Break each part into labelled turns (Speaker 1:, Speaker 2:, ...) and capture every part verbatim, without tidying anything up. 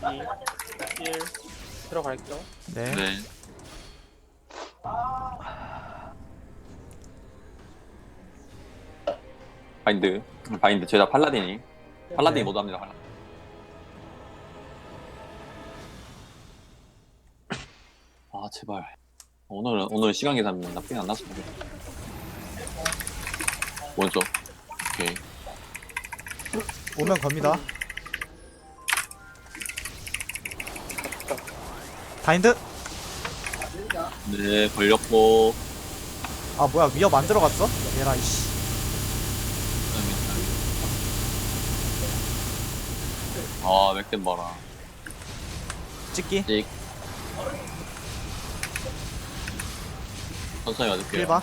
Speaker 1: 이, 일 들어갈게요.
Speaker 2: 네.
Speaker 3: 네. 바인드. 바인드. 죄다 팔라딘이. 팔라딘이
Speaker 2: 네.
Speaker 3: 모두 합니다. 팔라딘. 아, 제발. 오늘은, 오늘 시간 계산 나쁘게 안 났으면 좋겠다. 먼저. 오케이.
Speaker 2: 오면 겁니다. 바인드.
Speaker 3: 네, 걸렸고.
Speaker 2: 아 뭐야 위협 안 들어갔어? 얘라 이씨.
Speaker 3: 아, 맥댐 봐라.
Speaker 2: 찍기.
Speaker 3: 찍. 천천히 맞을게요.
Speaker 2: 힐 봐.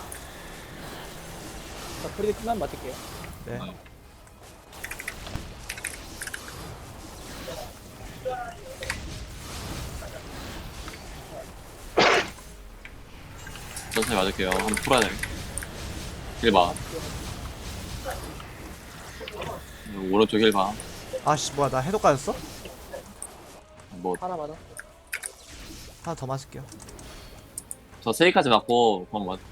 Speaker 1: 자, 프리드 끝나면 맞을게요.
Speaker 2: 네.
Speaker 3: 네. 천천히 맞을게요. 한번 풀어야 돼. 힐 봐. 오른쪽 힐 봐.
Speaker 2: 아씨 뭐야 나 해독 가졌어?
Speaker 3: 뭐,
Speaker 1: 하나 맞아.
Speaker 2: 하나 더 맞을게요.
Speaker 3: 저 세이까지 맞고, 그럼 맞,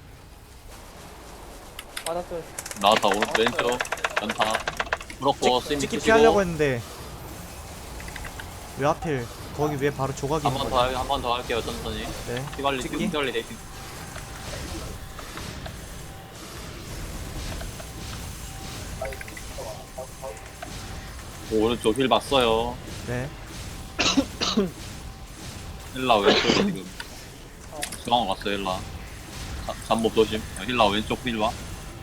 Speaker 1: 맞았어요.
Speaker 3: 나왔다. 오른쪽, 왼쪽, 연타. 풀었고, 스임
Speaker 2: 찍기
Speaker 3: 쓰시고.
Speaker 2: 피하려고 했는데 왜 하필 거기 위에 바로 조각이
Speaker 3: 한
Speaker 2: 있는
Speaker 3: 번
Speaker 2: 거야.
Speaker 3: 더, 한 번 더 할게요, 천천히.
Speaker 2: 네.
Speaker 3: 휘발리,
Speaker 2: 찍기.
Speaker 3: 휘발리 데이팅. 오, 오른쪽 힐 봤어요.
Speaker 2: 네.
Speaker 3: 힐라 왼쪽에 지금 중앙 갔어요. 힐라 자, 잠복 조심. 힐라 왼쪽 힐 봐.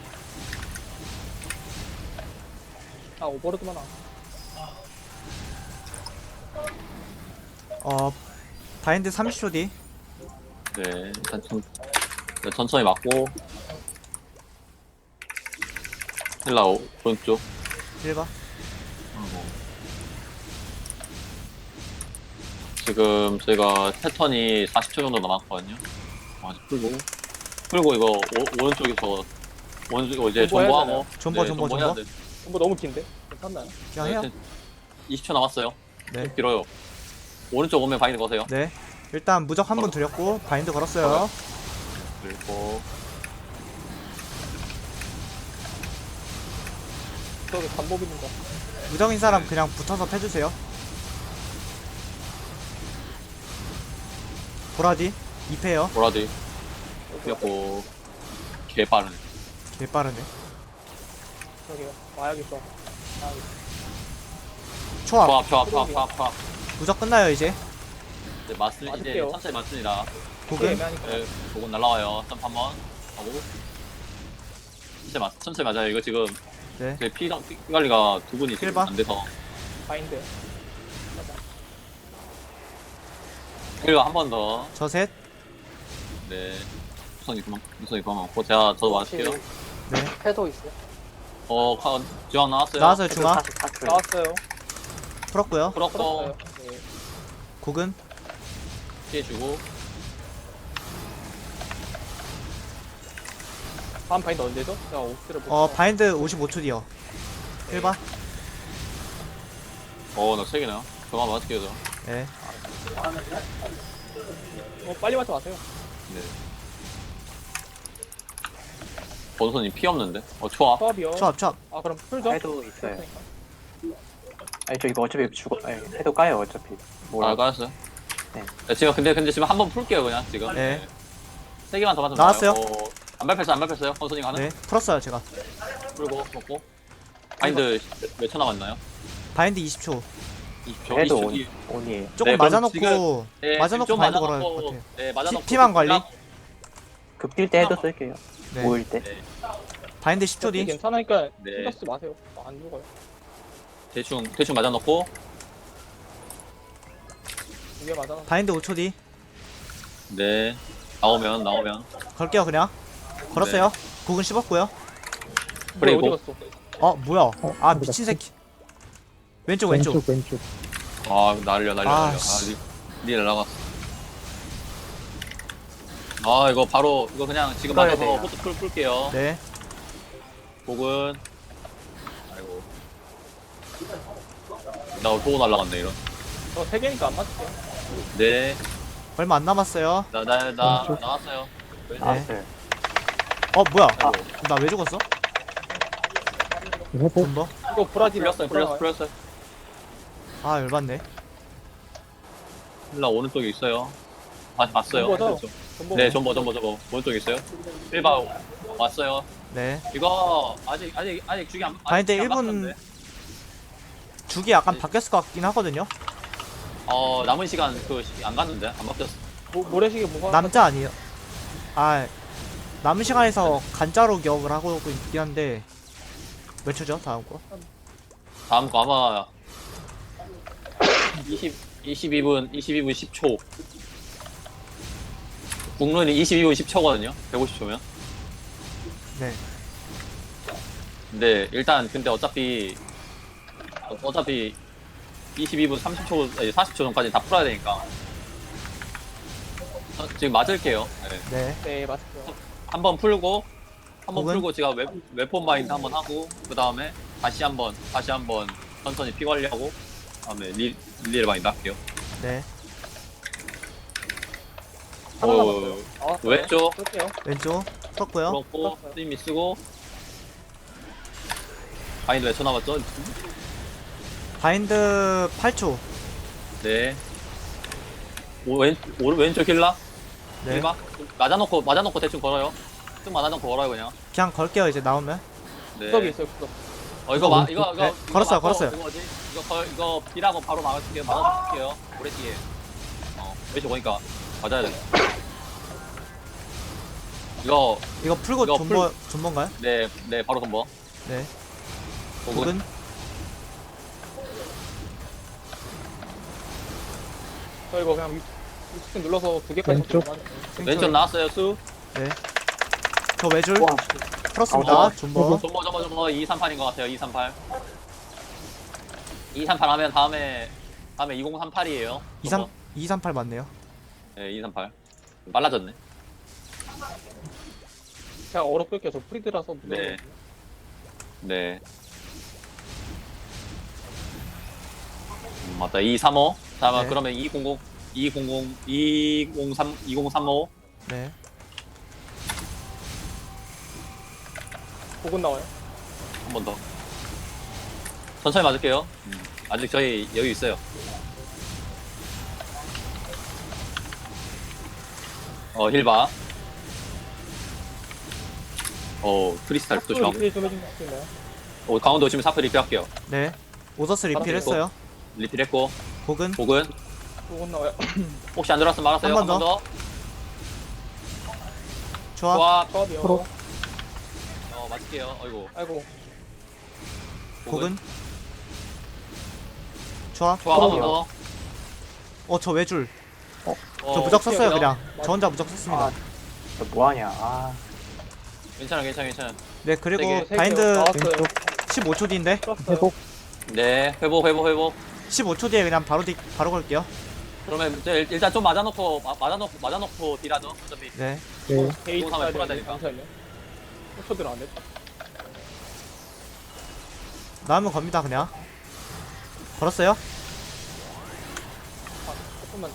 Speaker 1: 아, 오버로드만 와.
Speaker 2: 어 바인드 삼십 초 뒤.
Speaker 3: 네, 일단 천, 네, 천천히 맞고. 힐라 오, 오른쪽.
Speaker 2: 힐 봐.
Speaker 3: 아이고. 지금 저희가 패턴이 사십 초 정도 남았거든요. 아직 풀고 풀고 이거 오, 오른쪽에서 오른쪽 이제
Speaker 1: 존버 해야
Speaker 3: 존버하고
Speaker 2: 존버,
Speaker 3: 네,
Speaker 2: 존버,
Speaker 3: 존버해야
Speaker 2: 존버.
Speaker 3: 돼.
Speaker 1: 뭐 너무 긴데? 괜찮나요?
Speaker 2: 그냥 해요.
Speaker 3: 네, 이십 초 남았어요.
Speaker 2: 네.
Speaker 3: 좀 길어요. 오른쪽 오면 바인드 거세요.
Speaker 2: 네. 일단 무적 한 번 드렸고 바인드 걸었어요.
Speaker 3: 그리고
Speaker 1: 저기 반복 있는 거.
Speaker 2: 무적인 사람 그냥 붙어서 패주세요. 보라디 이 패요.
Speaker 3: 보라디 그리고 개 빠르네.
Speaker 2: 개 빠르네.
Speaker 1: 저기요. 와야겠어. 아,
Speaker 2: 초합.
Speaker 3: 초합 초합 초합 초합 초합.
Speaker 2: 무적 끝나요 이제.
Speaker 3: 이제 맞습 이제
Speaker 1: 맞을게요.
Speaker 3: 천천히 맞습니다.
Speaker 2: 고금.
Speaker 1: 애매하니까.
Speaker 3: 네, 조금 날라와요. 점프 한번 하고 천천히 맞 천천히 맞아요. 이거 지금
Speaker 2: 네.
Speaker 3: 제 피, 피 관리가 두 분이 지금
Speaker 2: 힐 봐.
Speaker 3: 안 돼서
Speaker 1: 바인드.
Speaker 3: 힐과 한 번 더.
Speaker 2: 저 셋.
Speaker 3: 네. 우선이 그만 우선이 그만 먹고 제가 저도 맞을게요.
Speaker 2: 네.
Speaker 1: 패도 있어요.
Speaker 3: 어 카, 지원 나왔어요.
Speaker 2: 나왔어요 중화.
Speaker 1: 나왔어요.
Speaker 2: 풀었고요.
Speaker 3: 풀었고
Speaker 1: 풀었어요. 네.
Speaker 2: 고금.
Speaker 3: 피해주고
Speaker 1: 다음 바인드 언제죠? 제가 옵스를 못.
Speaker 2: 어
Speaker 1: 봐서.
Speaker 2: 바인드 오십오 초 뒤요. 힐 봐.
Speaker 3: 어나 세 개나. 저만 맞을게요 저.
Speaker 2: 네.
Speaker 1: 어, 빨리 맞춰 마세요.
Speaker 3: 네. 번선이 피 없는데? 어 초합.
Speaker 1: 수업이요.
Speaker 2: 초합 초합.
Speaker 1: 아, 그럼 풀죠?
Speaker 4: 해도 있어요.
Speaker 1: 그러니까.
Speaker 4: 아니 저 이거 어차피 죽어. 아니 해도 까요 어차피.
Speaker 3: 아
Speaker 4: 뭐라?
Speaker 3: 까였어요?
Speaker 4: 네.
Speaker 3: 네, 지금 근데 근데 지금 한 번 풀게요 그냥 지금.
Speaker 2: 네.
Speaker 3: 세 개만 더 맞으면
Speaker 2: 나왔어요?
Speaker 3: 나와요. 어, 안 밟혔어요 안 밟혔어요. 번선이 가는.
Speaker 2: 네. 풀었어요 제가.
Speaker 3: 풀고 먹고. 바인드 몇 초 남았나요?
Speaker 2: 바인드 이십 초.
Speaker 3: 이십 초.
Speaker 4: 해도
Speaker 3: 이십 초
Speaker 4: 온,
Speaker 3: 뒤.
Speaker 4: 온이에요.
Speaker 2: 조금
Speaker 3: 네, 그럼
Speaker 2: 맞아놓고
Speaker 3: 지금- 네,
Speaker 2: 맞아놓고
Speaker 3: 좀
Speaker 2: 바인드 걸어야 할
Speaker 3: 맞아놓고,
Speaker 2: 것 같아요.
Speaker 3: 네, 맞아놓고.
Speaker 2: 피만 관리?
Speaker 4: 극딜 때 해도 쓸게요.
Speaker 2: 네.
Speaker 4: 모일 때.
Speaker 3: 네.
Speaker 2: 바인드 십 초 뒤.
Speaker 1: 괜찮으니까
Speaker 3: 네.
Speaker 1: 신경 쓰지 마세요. 안 죽어요.
Speaker 3: 대충 대충 맞아놓고.
Speaker 1: 이게 맞아.
Speaker 2: 바인드 오 초 뒤.
Speaker 3: 네. 나오면 나오면.
Speaker 2: 걸게요 그냥. 걸었어요. 고금 씹었고요.
Speaker 3: 그래,
Speaker 1: 어디
Speaker 3: 이거.
Speaker 1: 갔어?
Speaker 2: 어 뭐야? 아 미친 새끼. 왼쪽 왼쪽.
Speaker 5: 왼쪽.
Speaker 3: 아 날려 날려
Speaker 2: 아,
Speaker 3: 날려.
Speaker 2: 씨.
Speaker 3: 아, 니, 니 날라갔어. 아 이거 바로 이거 그냥 지금
Speaker 4: 풀어야
Speaker 3: 맞아서
Speaker 4: 돼요.
Speaker 3: 포트 풀 풀게요.
Speaker 2: 네.
Speaker 3: 복은. 아이고. 나 보고 날라갔네 이런.
Speaker 1: 저 세 개니까 안 맞을게요.
Speaker 3: 네.
Speaker 2: 얼마 안 남았어요.
Speaker 3: 나, 나, 나,
Speaker 4: 왼쪽.
Speaker 3: 나왔어요. 왼쪽.
Speaker 4: 나왔어요.
Speaker 2: 어 뭐야?
Speaker 3: 아이고.
Speaker 2: 나 왜 죽었어?
Speaker 5: 회복.
Speaker 2: 존버?
Speaker 1: 이거 브라질
Speaker 3: 풀렸어요, 풀렸어, 풀렸어요.
Speaker 2: 아 열받네.
Speaker 3: 힐라 오른쪽에 있어요. 다시 봤어요.
Speaker 1: 전보죠?
Speaker 3: 오른쪽.
Speaker 1: 전보.
Speaker 3: 네, 전보, 전보, 전보. 오른쪽에 있어요. 일 바 왔어요.
Speaker 2: 네.
Speaker 3: 이거 아직, 아직, 아직 죽이 안, 아직
Speaker 2: 아니, 근데
Speaker 3: 죽이 안
Speaker 2: 일 분
Speaker 3: 바뀌었는데.
Speaker 2: 죽이 약간
Speaker 3: 네.
Speaker 2: 바뀌었을 것 같긴 하거든요.
Speaker 3: 어, 남은 시간 그 안 갔는데 안 바뀌었어.
Speaker 1: 모, 모래시계 뭐가?
Speaker 2: 남자 아니에요? 아 남은 시간에서 간자로 기억을 하고 있긴 한데 몇 초죠? 다음 거?
Speaker 3: 다음 거 아마 이십, 이십이 분, 이십이 분 십 초. 국룰이 이십이 분 십 초거든요. 백오십 초면.
Speaker 2: 네.
Speaker 3: 근데 일단 근데 어차피 어- 어차피 이십이 분 삼십 초, 아니, 사십 초 전까지 다 풀어야 되니까. 어, 지금 맞을게요. 네.
Speaker 2: 네.
Speaker 1: 네, 맞을게요.
Speaker 3: 한번 풀고 한번
Speaker 2: 혹은?
Speaker 3: 풀고 제가 웹, 웹폰 마인드 한번 하고 그 다음에 다시 한번 다시 한번 천천히 피 관리하고 다음에 리, 릴리를 마인드 할게요.
Speaker 2: 네.
Speaker 1: 하나
Speaker 3: 오,
Speaker 1: 남았어요. 나왔어요.
Speaker 3: 왼쪽
Speaker 1: 쓸게요.
Speaker 2: 왼쪽 풀었고요.
Speaker 3: 그렇고
Speaker 1: 풀었어요.
Speaker 3: 스님이 쓰고 마인드 몇 초 남았죠?
Speaker 2: 바인드 팔 초.
Speaker 3: 네. 오, 왼, 오, 왼쪽 힐라?
Speaker 2: 네.
Speaker 3: 힐바? 맞아놓고 맞아놓고 대충 걸어요. 좀 맞아놓고 걸어요 그냥.
Speaker 2: 그냥 걸게요 이제 나오면.
Speaker 3: 네.
Speaker 1: 구석이 있어요, 구석.
Speaker 3: 어 이거 마 이거 이거
Speaker 2: 네,
Speaker 3: 이거
Speaker 2: 걸었어요,
Speaker 3: 막고
Speaker 2: 걸었어요.
Speaker 3: 이거 뭐지? 이거 걸 이거 비라고 바로 막을게요. 막아줄게요. 오래 뒤에. 어 왼쪽 보니까 맞아야 돼. 이거
Speaker 2: 이거 풀고
Speaker 3: 이거
Speaker 2: 존버 존버인가요?
Speaker 3: 네 네 바로 덤버.
Speaker 2: 네.
Speaker 3: 혹은
Speaker 2: 혹은
Speaker 1: 저 이거 그냥 스킨 눌러서 두 개까지
Speaker 5: 왼쪽.
Speaker 1: 맞을게요.
Speaker 3: 왼쪽 나왔어요 수.
Speaker 2: 네. 저 외줄
Speaker 4: 와,
Speaker 2: 풀었습니다.
Speaker 3: 아,
Speaker 2: 존버.
Speaker 3: 전버 전버 전버 이삼팔인 것 같아요. 이삼팔. 이삼팔 하면 다음에 다음에 이공삼팔이에요.
Speaker 2: 이삼 이삼팔 맞네요.
Speaker 3: 네 이삼팔. 빨라졌네.
Speaker 1: 제가 얼어 끌게요. 저 프리드라서.
Speaker 3: 네. 네. 음, 맞다. 이삼오. 자,
Speaker 2: 네.
Speaker 3: 그러면 이공공, 이공공, 이공삼, 이공삼오.
Speaker 2: 네.
Speaker 1: 복은 나와요.
Speaker 3: 한 번 더. 천천히 맞을게요. 음, 아직 저희 여유 있어요. 어, 힐바. 어, 크리스탈 또 조심하고.
Speaker 1: 리필 좀 해주실 수 있나요?
Speaker 3: 어, 강원도 오시면 사프 리필할게요.
Speaker 2: 네. 오더스 리필했어요.
Speaker 3: 리필했고,
Speaker 2: 혹은
Speaker 3: 복은
Speaker 1: 복은 나와요.
Speaker 3: 혹시 안 들어왔으면 말았어요.
Speaker 2: 한
Speaker 3: 한
Speaker 2: 번
Speaker 3: 번 더.
Speaker 2: 조합.
Speaker 3: 좋아.
Speaker 1: 조합이요.
Speaker 5: 프로.
Speaker 3: 어, 맞을게요. 어이구.
Speaker 1: 아이고.
Speaker 2: 혹은 조합.
Speaker 3: 좋아, 한 번 더.
Speaker 2: 어 저 외줄.
Speaker 3: 어,
Speaker 2: 저 무적 썼어요
Speaker 3: 오케이,
Speaker 2: 그냥.
Speaker 1: 맞아.
Speaker 2: 저 혼자 무적 썼습니다.
Speaker 4: 아, 저 뭐하냐. 아,
Speaker 3: 괜찮아, 괜찮아, 괜찮아.
Speaker 2: 네 그리고
Speaker 3: 세 개,
Speaker 1: 세
Speaker 2: 바인드
Speaker 1: 개요. 나왔어요.
Speaker 5: 왼쪽.
Speaker 2: 십오 초 뒤인데
Speaker 1: 풀었어요.
Speaker 5: 회복.
Speaker 3: 네, 회복, 회복, 회복.
Speaker 2: 십오 초 뒤에 그냥 바로 뒤 바로 걸게요.
Speaker 3: 그러면 이제 일- 일단 좀 맞아놓고, 마- 맞아놓고, 맞아놓고 딜하죠. 어차피.
Speaker 2: 네.
Speaker 5: 네.
Speaker 1: 게이트
Speaker 3: 이거 하면 풀어야
Speaker 1: 짜리
Speaker 3: 되니까.
Speaker 1: 잠시만요. 초 들어 안 됐다.
Speaker 2: 나오면 겁니다 그냥. 걸었어요?
Speaker 1: 아, 조금만.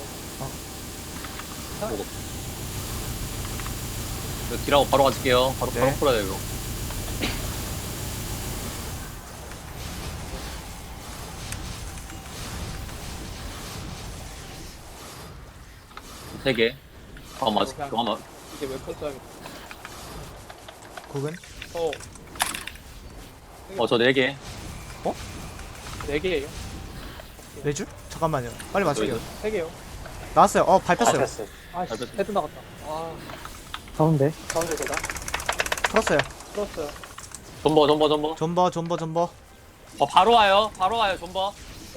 Speaker 3: 이거 딜하고 바로 가질게요. 바로,
Speaker 2: 네.
Speaker 3: 바로 풀어야 돼요, 이거. 세 개. 아, 맞아. 그거 아마.
Speaker 1: 이제 웹폰 써야겠다.
Speaker 2: 혹은
Speaker 1: 저
Speaker 3: 어, 저 네 개.
Speaker 1: 네 개예요.
Speaker 2: 외줄? 잠깐만요. 빨리 맞출게요.
Speaker 1: 세 개요.
Speaker 2: 나왔어요. 어 밟혔어요.
Speaker 4: 밟혔어요.
Speaker 1: 아, 씨,
Speaker 3: 밟혔어요.
Speaker 1: 헤드 나갔다. 아,
Speaker 5: 가운데.
Speaker 1: 가운데 제가
Speaker 2: 풀었어요.
Speaker 1: 풀었어요.
Speaker 3: 존버, 존버, 존버.
Speaker 2: 존버 존버 존버.
Speaker 3: 어, 바로 와요. 바로 와요, 존버.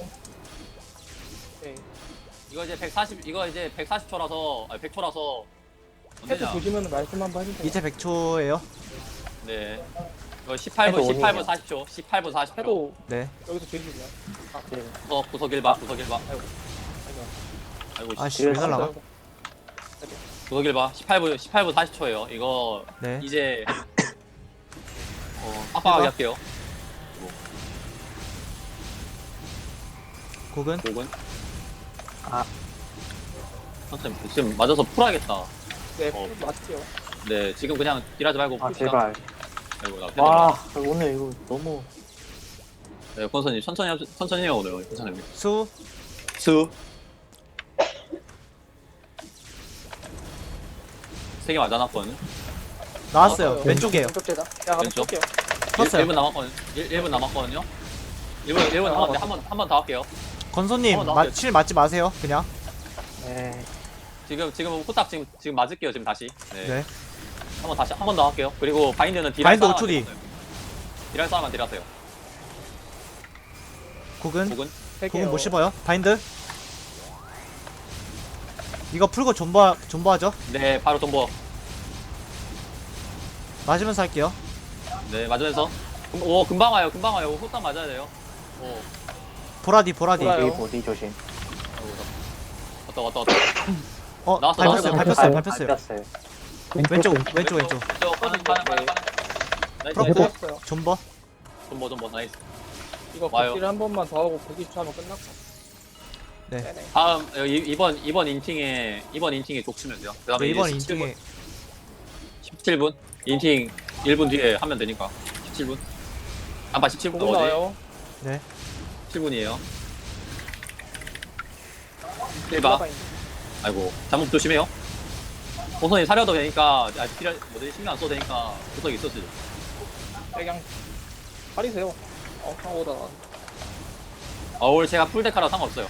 Speaker 1: 네.
Speaker 3: 이거 이제 백사십, 이거 이제 백사십 초라서, 아니, 백 초라서.
Speaker 1: 헤드
Speaker 3: 언제냐?
Speaker 1: 보시면 말씀 한번 해주세요.
Speaker 2: 이제 백 초예요.
Speaker 3: 네. 이거 십팔 분,
Speaker 4: 해도
Speaker 3: 십팔 분
Speaker 4: 오네요.
Speaker 3: 사십 초. 십팔 분 사십 초.
Speaker 1: 해도
Speaker 2: 네.
Speaker 1: 여기서 주시면. 아,
Speaker 4: 네.
Speaker 3: 구석, 구석 일 봐, 구석 일 봐.
Speaker 1: 아이고.
Speaker 3: 아이고, 씨.
Speaker 2: 아씨 왜 날라가?
Speaker 1: 아이고.
Speaker 3: 구석 일 봐. 십팔 분, 십팔 분 사십 초예요. 이거
Speaker 2: 네.
Speaker 3: 이제 어, 빡빡하게
Speaker 2: 해봐.
Speaker 3: 할게요.
Speaker 2: 곡은
Speaker 3: 곡은
Speaker 4: 아.
Speaker 3: 천천히 지금 맞아서 풀어야겠다.
Speaker 1: 네,
Speaker 3: 어.
Speaker 1: 맞을게요.
Speaker 3: 네 지금 그냥 딜하지 말고
Speaker 4: 아
Speaker 3: 풉시다.
Speaker 4: 제발.
Speaker 3: 아이고 나
Speaker 4: 와 오늘 이거 너무
Speaker 3: 네 권선님 천천히 하, 천천히 해요 오늘 괜찮아요.
Speaker 2: 수
Speaker 3: 수 세 개 맞아놨거든요.
Speaker 2: 나왔어요.
Speaker 1: 나왔어요.
Speaker 2: 왼쪽이에요.
Speaker 1: 왼쪽제다. 야, 한번
Speaker 3: 왼쪽?
Speaker 1: 쏠게요.
Speaker 2: 컸어요.
Speaker 3: 일 분 남았거든요. 일 분 남았거든요. 일 분 일 분
Speaker 1: 아,
Speaker 3: 남았는데
Speaker 1: 맞다.
Speaker 3: 한 번 한 번 더 할게요.
Speaker 2: 건소님
Speaker 3: 어,
Speaker 2: 마,
Speaker 3: 나왔어요.
Speaker 2: 칠 맞지 마세요. 그냥.
Speaker 4: 네.
Speaker 3: 지금 지금 후딱 지금 지금 맞을게요 지금 다시. 네.
Speaker 2: 네.
Speaker 3: 한 번 다시 한 번 더 할게요. 그리고 바인드는 딜할
Speaker 2: 바인드
Speaker 3: 사람만
Speaker 2: 오 초 뒤.
Speaker 3: 딜하세요. 딜할 사람만 딜하세요.
Speaker 2: 곡은
Speaker 3: 곡은
Speaker 1: 세 개요.
Speaker 2: 곡은 못 씹어요. 바인드. 이거 풀고 존버 존버하죠.
Speaker 3: 네 바로 존버.
Speaker 2: 맞으면서 할게요.
Speaker 3: 네 맞으면서 금- 오 금방 와요 금방 와요 후딱 맞아야 돼요. 오
Speaker 2: 보라디 보라디.
Speaker 1: 보라요.
Speaker 4: 여기 보디 조심.
Speaker 3: 왔다 왔다 왔다.
Speaker 2: 어
Speaker 3: 나왔어,
Speaker 2: 밟혔어요.
Speaker 3: 나왔어.
Speaker 2: 밟혔어요.
Speaker 4: 발-
Speaker 2: 밟혔어요.
Speaker 4: 밟혔어요.
Speaker 2: 왼쪽 왼쪽 왼쪽.
Speaker 3: 저 가는 가는 가는 가는. 나이스
Speaker 2: 프로포.
Speaker 3: 나이스.
Speaker 1: 했어요.
Speaker 2: 존버.
Speaker 3: 존버 존버 나이스.
Speaker 1: 이거
Speaker 3: 와요.
Speaker 1: 걷기를 한 번만 더 하고 백이십 초 하면 끝났고.
Speaker 2: 네.
Speaker 1: 네네.
Speaker 3: 다음 어, 이- 이번 이번 인팅에 이번 인팅에 족치면 돼요. 그다음에
Speaker 2: 네,
Speaker 3: 이제
Speaker 2: 이번
Speaker 3: 십칠 분,
Speaker 2: 인중에
Speaker 3: 십칠 분 인팅 일 분 뒤에 하면 되니까 십칠 분. 아빠 십칠 분
Speaker 1: 보고
Speaker 3: 어디?
Speaker 1: 나와요.
Speaker 2: 네.
Speaker 3: 십칠 분이에요. 일 봐.
Speaker 1: 바인드.
Speaker 3: 아이고 잘못 조심해요. 본선이 사려도 되니까 아 필요 뭐지 신경 안 써도 되니까 구석이 있었지.
Speaker 1: 그냥 가리세요. 어, 상호다.
Speaker 3: 어울 제가 풀데카라 상관없어요.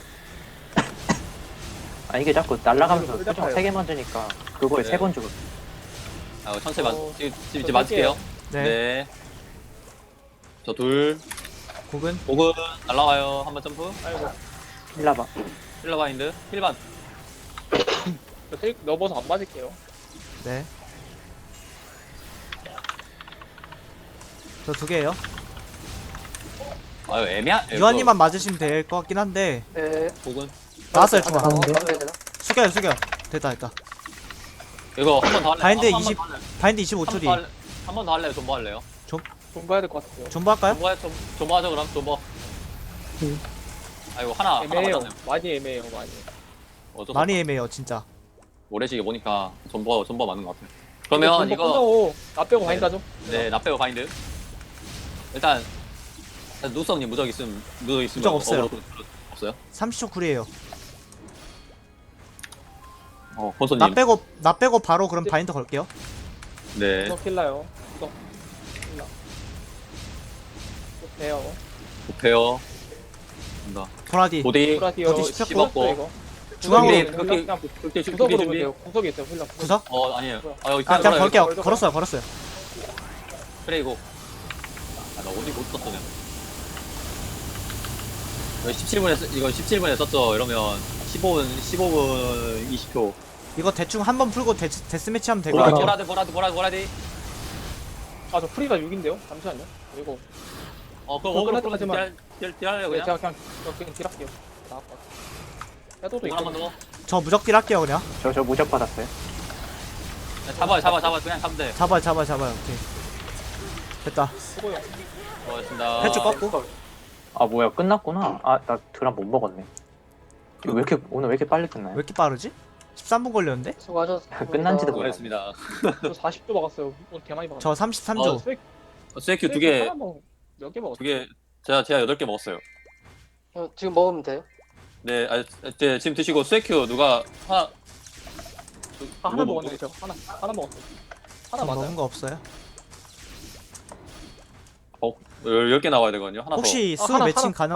Speaker 4: 아 이게 자꾸 날아가면서
Speaker 1: 꿀
Speaker 4: 표정
Speaker 1: 닦아요.
Speaker 4: 세 개 만드니까 그거에
Speaker 3: 네.
Speaker 4: 세 번 주고.
Speaker 3: 아 천천히 맞
Speaker 1: 어,
Speaker 3: 지금 지금
Speaker 1: 저
Speaker 3: 이제 맞을게요.
Speaker 2: 네.
Speaker 3: 네. 저 둘.
Speaker 2: 곡은
Speaker 3: 오근 날라와요. 한 번 점프.
Speaker 1: 아이고.
Speaker 4: 힐라바.
Speaker 3: 힐러 바인드. 힐반.
Speaker 1: 저 테이크 넣어서 안 맞을게요.
Speaker 2: 네. 저 두 개예요.
Speaker 3: 아유 애매한.
Speaker 2: 유한님만 맞으시면 될 것 같긴 한데
Speaker 1: 네.
Speaker 3: 오근.
Speaker 2: 나왔어요 중앙.
Speaker 1: 가운데.
Speaker 2: 숙여요 숙여. 됐다 됐다.
Speaker 3: 이거 한 번 더 할래요.
Speaker 2: 바인드
Speaker 3: 한 번
Speaker 2: 이십
Speaker 3: 더 할래요.
Speaker 2: 바인드 이십오 초 뒤.
Speaker 3: 한 번 더 할래요. 존버 할래요.
Speaker 1: 좀 봐야 될 것 같아요.
Speaker 2: 존버 할까요?
Speaker 3: 존버 좀 존버 하죠 그럼 존버. 아이고 하나 하나
Speaker 1: 애매해요.
Speaker 3: 맞았네요.
Speaker 1: 많이 애매해요. 많이.
Speaker 3: 어쩌
Speaker 2: 많이 애매해요 진짜.
Speaker 3: 오래지게 보니까 존버 존버 맞는 것 같아요. 그러면 이거
Speaker 1: 끝나고 나 빼고
Speaker 3: 네.
Speaker 1: 바인드 하죠.
Speaker 3: 네 나빼고 바인드. 일단 누성님 무적 있음 무적 있으면
Speaker 2: 무적 없어요.
Speaker 3: 어그로 끌- 없어요?
Speaker 2: 삼십 초 쿨이에요.
Speaker 3: 어 권소님.
Speaker 2: 나 빼고 나 빼고 바로 그럼 바인드 걸게요.
Speaker 3: 네.
Speaker 1: 너 킬라요. 너 킬라. 돼요.
Speaker 3: 급해요. 간다.
Speaker 2: 보라디.
Speaker 3: 보디
Speaker 1: 브라디오
Speaker 2: 어디 씹혔고?
Speaker 1: 씹었고 이거.
Speaker 2: 중앙으로
Speaker 3: 극딜,
Speaker 1: 구석으로
Speaker 3: 극딜,
Speaker 1: 그냥
Speaker 3: 극딜,
Speaker 1: 구석으로
Speaker 3: 극딜
Speaker 1: 보면
Speaker 3: 준비.
Speaker 1: 돼요. 구석에 있어요. 힐라.
Speaker 2: 구석?
Speaker 3: 어 아니에요. 아 여기
Speaker 2: 아 그냥
Speaker 3: 걸어요.
Speaker 2: 걸게요.
Speaker 1: 걸어,
Speaker 2: 걸었어요 걸었어요.
Speaker 3: 그래 이거. 아나 어디 못 썼어 그냥. 이거 십칠 분에 쓰, 이거 십칠 분에 썼죠. 이러면 십오 분 십오 분 이십 초.
Speaker 2: 이거 대충 한 번 풀고 데, 데스매치 하면 될 것
Speaker 3: 보라디
Speaker 2: 같아요.
Speaker 3: 보라디 보라디 보라디 보라디.
Speaker 1: 아저 프리가 육인데요. 잠시만요. 그리고
Speaker 3: 어 그럼
Speaker 1: 그거
Speaker 3: 어그로
Speaker 1: 끝날
Speaker 3: 끌어서
Speaker 1: 때까지만-
Speaker 3: 딜 딜할래요
Speaker 1: 네,
Speaker 3: 그냥.
Speaker 1: 제가 그냥 저 그냥 딜할게요. 나올 것 같아. 해도도
Speaker 3: 이거 한번
Speaker 1: 있고.
Speaker 3: 더.
Speaker 2: 저 무적딜 할게요 그냥.
Speaker 4: 저 저 무적 받았어요.
Speaker 3: 야, 잡아 잡아 잡아 그냥 잡으면 돼.
Speaker 2: 잡아요 잡아요 잡아요. 오케이. 됐다.
Speaker 1: 수고요.
Speaker 3: 고맙습니다.
Speaker 2: 해줄 거?
Speaker 4: 아 뭐야 끝났구나. 아 나 드람 못 먹었네. 이거 왜 이렇게 오늘 왜 이렇게 빨리
Speaker 2: 왜
Speaker 4: 끝나요?
Speaker 2: 이렇게 빠르지? 십삼 분 걸렸는데?
Speaker 1: 수고하셨습니다.
Speaker 4: 끝난지도 몰라요.
Speaker 3: 고맙습니다.
Speaker 1: 저 사십 도 먹었어요. 오늘 개 많이 먹었어요.
Speaker 2: 저 삼십삼
Speaker 3: 어,
Speaker 2: 조.
Speaker 1: 스웨-
Speaker 3: 스웨큐 두
Speaker 1: 스웨
Speaker 3: 개,
Speaker 1: 하나 먹- 몇개 먹었어요?
Speaker 3: 두 개, 제가, 제가 여덟 개 먹었어요.
Speaker 5: 어, 지금 먹으면 돼요?
Speaker 3: 네, 아, 네, 지금 드시고 스웨큐 누가 하나,
Speaker 1: 아, 하나
Speaker 3: 누가
Speaker 1: 먹었네. 저 하나 하나 먹었어요. 하나
Speaker 2: 전
Speaker 1: 맞아요.
Speaker 2: 먹은 거 없어요.
Speaker 3: 어, 열 개 나와야 되거든요. 하나 더.
Speaker 2: 혹시
Speaker 1: 아,
Speaker 2: 수
Speaker 1: 하나,
Speaker 2: 매칭
Speaker 1: 하나.
Speaker 2: 가능?